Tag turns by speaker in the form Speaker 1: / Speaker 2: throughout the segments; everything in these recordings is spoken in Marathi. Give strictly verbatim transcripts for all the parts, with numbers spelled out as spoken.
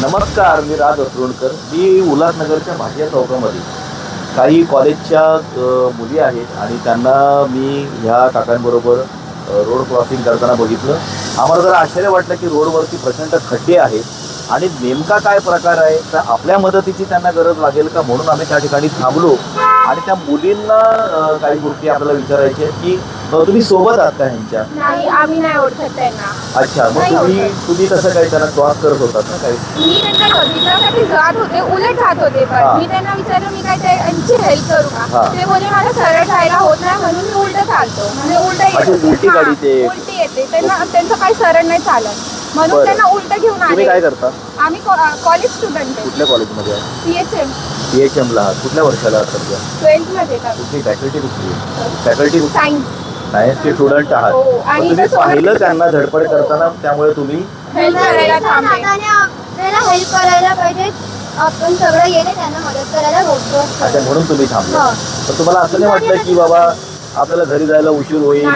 Speaker 1: नमस्कार, मी राज असरोणकर. मी उल्हासनगरच्या भाटिया चौकामध्ये काही कॉलेजच्या मुली आहेत आणि त्यांना मी ह्या काकांबरोबर रोड क्रॉसिंग करताना बघितलं. आम्हाला जरा आश्चर्य वाटलं की रोडवरती प्रचंड खड्डे आहेत आणि नेमका काय प्रकार आहे, तर आपल्या मदतीची त्यांना गरज लागेल का म्हणून आम्ही त्या ठिकाणी थांबलो आणि त्या मुलींना काही गोष्टी आपल्याला विचारायची आहेत की तुम्ही सोबत आहात का ह्यांच्या?
Speaker 2: नाही, आम्ही नाही ओळखत त्यांना.
Speaker 1: अच्छा, मग तुम्ही तुम्ही कसं काय त्यांना क्रॉस करत होतात ना? काही
Speaker 2: मी त्यांना बघितल्यासाठी जात होते, उलट जात होते. पण मी त्यांना विचारलं मी काय त्यांची हेल्प करू का? ते बोलले मला सरळ जायला होत नाही म्हणून मी उलट चालतो. म्हणजे उलट
Speaker 1: उलटी गाडी ते
Speaker 2: उलटी येते त्यांना, त्यांचं काही सरळ नाही चालत म्हणून त्यांना उलट घेऊन आले.
Speaker 1: तुम्ही काय करता?
Speaker 2: आम्ही कॉलेज स्टुडंट आहे.
Speaker 1: कुठल्या कॉलेजमध्ये आहे?
Speaker 2: सीएचएम.
Speaker 1: सीएचएम ला कुठल्या वर्षाला आहात सध्या?
Speaker 2: ट्वेल्थ मध्ये.
Speaker 1: कुठली फॅकल्टी? कुठली फॅकल्टी?
Speaker 2: सायन्स.
Speaker 1: सायन्सचे स्टुडंट आहात. तुम्ही पाहिलं त्यांना धडपड करताना, त्यामुळे तुम्ही
Speaker 2: हेल्प करायला थांबले.
Speaker 3: आपल्याला हेल्प करायला पाहिजे, आपण सगळं येणे त्यांना मदत करायला होतो.
Speaker 1: अच्छा, म्हणून तुम्ही थांबला. तर तुम्हाला असं नाही वाटलं की बाबा आपल्याला घरी जायला उशीर होईल?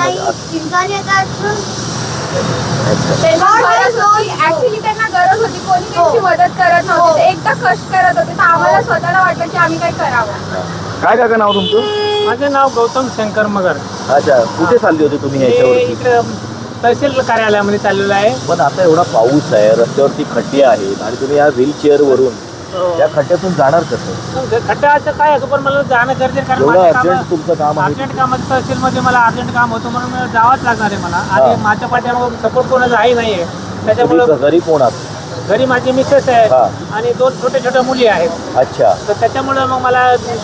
Speaker 2: ऍक्च्युली त्यांना गरज होती, कोणी त्यांची मदत करत नव्हते. एकदा कष्ट करत होते तर आम्हाला स्वतःला वाटलं की आम्ही काय करावं.
Speaker 1: काय काका नाव तुमचं?
Speaker 4: माझे नाव गौतम शंकर मगर.
Speaker 1: अच्छा, कुठे चालली होती तुम्ही ह्याच्यावरती?
Speaker 4: इकडे तहसील कार्यालयामध्ये चाललेलं आहे.
Speaker 1: पण आता एवढा पाऊस आहे, रस्त्यावरती खड्डे आहेत आणि तुम्ही या व्हीलचेअर वरून या खड्ड्यातून जाणार कसं?
Speaker 4: खड्डा असं काय असं, पण मला जाणं गरजेचं, कारण
Speaker 1: एवढं
Speaker 4: माझं
Speaker 1: अर्जंट
Speaker 4: काम
Speaker 1: तुमचं काम आहे.
Speaker 4: अर्जंट काम आहे. तहसीलमध्ये मला अर्जंट काम होतं म्हणून मला जावंच लागणार आहे मला. आणि माझ्या पाठीमागं सपोर्ट कोणाचा आहे नाही आहे. त्याच्यामुळे
Speaker 1: तुम्ही घरी कोण आहात?
Speaker 4: घरी माझी मिसेस आहे आणि दोन छोट्या छोट्या मुली आहेत.
Speaker 1: अच्छा,
Speaker 4: तर त्याच्यामुळे मग मला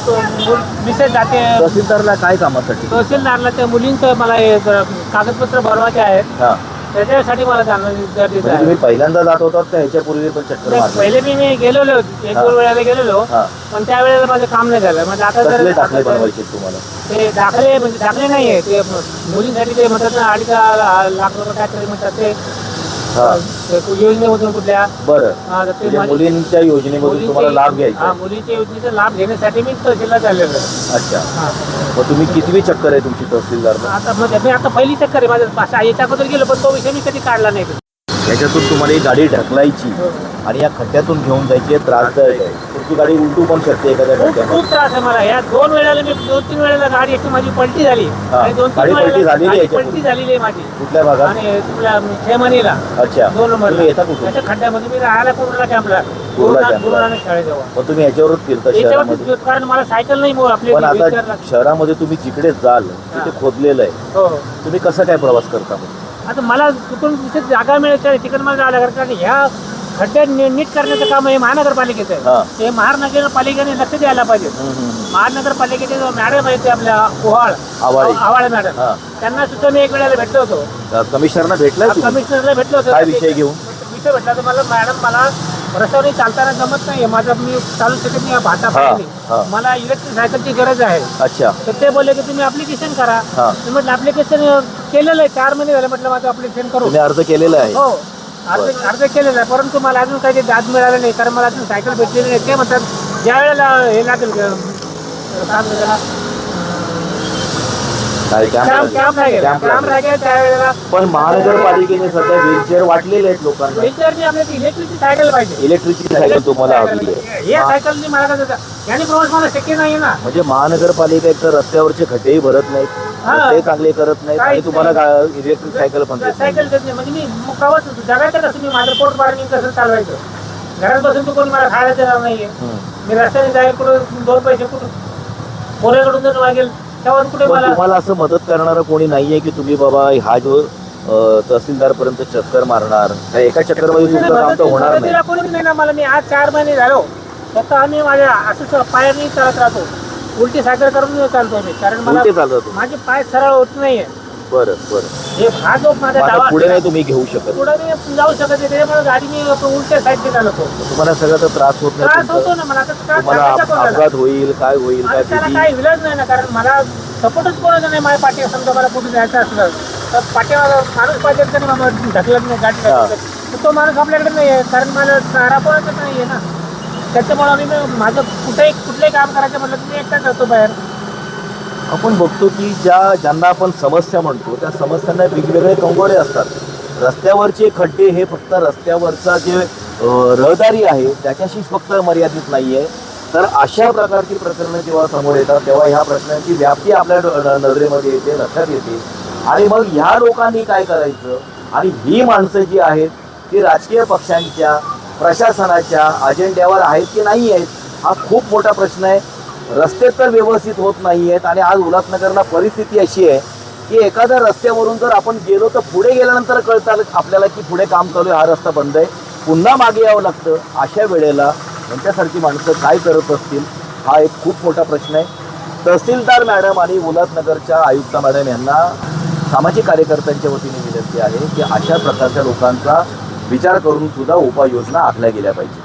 Speaker 4: मिसेस जाते
Speaker 1: तहसीलदारला काय कामासाठी?
Speaker 4: तहसीलदारला त्या मुलींचं मला हे कागदपत्र भरवायचे आहेत,
Speaker 1: हा,
Speaker 4: त्याच्यासाठी मला जाणं गरजेचं
Speaker 1: म्हणजे
Speaker 4: आहे.
Speaker 1: तुम्ही पहिल्यांदा जात होतात का ह्याच्यापूर्वी पण चक्कर
Speaker 4: नाही,
Speaker 1: मारली?
Speaker 4: पहिले मी मी गेलेलो एक दोन वेळेला गेलेलो,
Speaker 1: हा.
Speaker 4: पण त्यावेळेला माझं काम नाही झालं. म्हणजे आता
Speaker 1: कसले
Speaker 4: जर
Speaker 1: दाखले बनवायचे तुम्हाला?
Speaker 4: ते दाखले म्हणजे दाखले नाही आहे, ते मुलींसाठी ते म्हणतात ना अडीच लाख रुपये काहीतरी म्हणतात ते
Speaker 1: हा,
Speaker 4: ते योजनेमधून कुठल्या
Speaker 1: बरं.
Speaker 4: हा, तर ते
Speaker 1: म्हणजे
Speaker 4: माझी-
Speaker 1: मुलींच्या योजनेमधून तुम्हाला लाभ
Speaker 4: मुलींचे-
Speaker 1: घ्यायचा
Speaker 4: हा,
Speaker 1: आहे.
Speaker 4: मुलींच्या योजनेचा लाभ घेण्यासाठी मी तहसीलला चाललेलो आहे.
Speaker 1: अच्छा,
Speaker 4: हा.
Speaker 1: मग तुम्ही कितवी चक्कर आहे तुमची तहसीलदार?
Speaker 4: आता म्हणजे मी आता पहिली चक्कर आहे माझं. पाच याच्या अगोदर गेलो पण तो विषय मी कधी काढला नाही.
Speaker 1: याच्यातून तुम्हाला ही गाडी ढकलायची आणि या खड्ड्यातून घेऊन जायची, त्रासदायक आहे. तुमची गाडी उलटू पण शकते एखाद्या
Speaker 4: खूप
Speaker 1: खड्ड्यामध्ये.
Speaker 4: खूप त्रास आहे मला. या दोन वेळेला मी दोन तीन वेळेला गाडी एकटी माझी पलटी झाली आणि दोन
Speaker 1: गाडी
Speaker 4: तीन
Speaker 1: पलटी
Speaker 4: वेळेला
Speaker 1: झालेली आहे
Speaker 4: गाडी
Speaker 1: याच्यापूर्वी?
Speaker 4: पलटी झालेली आहे माझी.
Speaker 1: कुठल्या भागात?
Speaker 4: आणि तुला खेमणीला
Speaker 1: अच्छा,
Speaker 4: दोन नंबर
Speaker 1: तुम्ही येता कुठून?
Speaker 4: त्याच्या खड्ड्यामध्ये मी राहायला पूर्ण कॅम्पला
Speaker 1: कुर्ला कॅम्पला.
Speaker 4: गुरुनानक शाळेजवळ.
Speaker 1: मग तुम्ही याच्यावरच फिरता शहरामध्ये?
Speaker 4: याच्यावरती कारण मला सायकल नाही मग आपली
Speaker 1: पण आता
Speaker 4: wheelchair लागते.
Speaker 1: शहरामध्ये तुम्ही जिकडे जाल तिथे खोदलेलं आहे,
Speaker 4: हो.
Speaker 1: तुम्ही कसं काय प्रवास करता मग?
Speaker 4: आता मला तिथून तिथे जागा मिळते तिकडे मला जावं लागेल, कारण ह्या खड्डे नि- नीट करण्याचं काम हे महानगरपालिकेचं
Speaker 1: हा.
Speaker 4: आहे. हे महानगरपालिकेने लक्ष द्यायला पाहिजे. महानगरपालिकेचे जो मॅडम आहे ते आपल्या ओहाळ
Speaker 1: आवाळे.
Speaker 4: आवाळे मॅडम,
Speaker 1: हा.
Speaker 4: त्यांना सुद्धा मी एक वेळेला भेटलो होतो.
Speaker 1: कमिशनरना भेटलाय तुम्ही?
Speaker 4: कमिशनरला भेटलो होतो.
Speaker 1: काय विषय घेऊन?
Speaker 4: विषय भेटला तर मला मॅडम मला रस्त्यावर चालताना जमत नाही, माझा मी चालू शकत नाही भाता
Speaker 1: हा.
Speaker 4: पाहिजे, मला इलेक्ट्रिक सायकलची गरज आहे.
Speaker 1: अच्छा,
Speaker 4: तर ते बोलले की तुम्ही ऍप्लिकेशन करा.
Speaker 1: हा.
Speaker 4: मी म्हटलं ऍप्लिकेशन केलेलं आहे, चार महिने झाले म्हटलं माझं ऍप्लिकेशन करू.
Speaker 1: तुम्ही अर्ज केलेला आहे?
Speaker 4: हो, अर्ज अर्ज केलेला आहे, परंतु मला अजून काही दाद मिळालं नाही, कारण मला अजून सायकल भेटलेली नाही. ते म्हणतात ज्या वेळेला हे लागेल
Speaker 1: काय कॅम्प
Speaker 4: कॅम्प कॅम्प लागेल
Speaker 1: कॅम्प
Speaker 4: कॅम्प
Speaker 1: लागेल.
Speaker 4: लागेल त्यावेळेला.
Speaker 1: पण महानगरपालिकेने सध्या व्हीलचेअर वाटलेले आहेत लोकांना.
Speaker 4: व्हीलचेअरची आपल्याला इलेक्ट्रिकची सायकल पाहिजे.
Speaker 1: इलेक्ट्रिकची सायकल तुम्हाला हवी आहे?
Speaker 4: या सायकलनी मला काय होतं, याने प्रवास मला शक्य नाही ना.
Speaker 1: म्हणजे महानगरपालिका एक तर रस्त्यावरचे खड्डेही भरत नाहीत,
Speaker 4: हा.
Speaker 1: रस्ते चांगले करत नाहीत आणि
Speaker 4: काहीच
Speaker 1: तुम्हाला
Speaker 4: नाही.
Speaker 1: इलेक्ट्रिक सायकल पण देत नाही.
Speaker 4: सायकल देत नाही. म्हणजे मी प्रवास जगायचं कसं, मी माझं पोट पाणी कसं चालवायचं. घरात बसून तर कोणी मला खायला देणार नाहीये. मी रस्त्याने जाईल कुठं दोन पैसे कुठं पोरेकडून जर मागेल त्यावर कुठे
Speaker 1: पण
Speaker 4: मला.
Speaker 1: तुम्हाला असं मदत करणारं कोणी नाहीये की तुम्ही बाबा हा जो तहसीलदार पर्यंत चक्कर मारणार? त्या एका चक्करमध्ये तुमचं काम तर होणार नाही.
Speaker 4: मदतीला कोणीच नाही ना मला. मी आज चार महिने झालो फक्त आम्ही माझ्या असं पायाने चालत राहतो, उलटी सायकल करून चालतो मी, कारण मला
Speaker 1: उलटे चालत होते?
Speaker 4: माझे पाय सरळ होत नाहीये.
Speaker 1: बरं बरं.
Speaker 4: हे हा जो माझा
Speaker 1: आता
Speaker 4: डावा
Speaker 1: पुढे नाही तुम्ही घेऊ शकत?
Speaker 4: पुढे मी जाऊ शकत नाही, त्याच्यामुळे गाडी मी उलट्या साईडने चालवतो.
Speaker 1: तुम्हाला सगळ्याचा त्रास होत नाही?
Speaker 4: त्रास
Speaker 1: तुमचा?
Speaker 4: होतो ना मला. आता त्रास
Speaker 1: तुम्हाला
Speaker 4: सांगायचा कोणाला?
Speaker 1: अपघात होईल काय होईल काय
Speaker 4: आणि त्याला
Speaker 1: भीती?
Speaker 4: काही विलाज नाही ना, कारण मला सपोर्टच कोणाचा नाही. माझ्या पाठी समजा मला कुठे जायचं असलं तर पाठीमागं माणूस पाहिजे तरी मला ढकलत नाही गाडी
Speaker 1: हा.
Speaker 4: ढकलत. तर तो माणूस आपल्याकडे नाही आहे, कारण मला चारा कोणाचाच नाही आहे ना. त्याच्यामुळे आम्ही माझं कुठेही कुठलंही काम करायचं म्हटलं की मी एकटाच जातो बाहेर.
Speaker 1: आपण बघतो की ज्या ज्यांना आपण समस्या म्हणतो त्या समस्यांना वेगवेगळे कंगोरे असतात. रस्त्यावरचे खड्डे हे फक्त रस्त्यावरचा जे अ, रहदारी आहे त्याच्याशी फक्त मर्यादित नाही आहे, तर अशा प्रकारची प्रकरणं जेव्हा समोर येतात तेव्हा ह्या प्रश्नांची व्याप्ती आपल्या डो- न- नजरेमध्ये येते, लक्षात येते. आणि मग ह्या लोकांनी काय करायचं, आणि ही माणसं जी आहेत ती राजकीय पक्षांच्या प्रशासनाच्या अजेंड्यावर आहेत की नाही आहेत, हा खूप मोठा प्रश्न आहे. रस्ते तर व्यवस्थित होत नाही आहेत, आणि आज उल्हासनगरला परिस्थिती अशी आहे की एखाद्या रस्त्यावरून जर आपण गेलो तर पुढे गेल्यानंतर कळतं आपल्याला की पुढे काम चालू आहे, हा रस्ता बंद आहे, पुन्हा मागे यावं लागतं. अशा वेळेला यांच्यासारखी माणसं काय करत असतील, हा एक खूप मोठा प्रश्न आहे. तहसीलदार मॅडम आणि उल्हासनगरच्या आयुक्त मॅडम यांना सामाजिक कार्यकर्त्यांच्या वतीने विनंती आहे की अशा प्रकारच्या लोकांचा विचार करून सुद्धा उपाययोजना आखल्या गेल्या पाहिजे.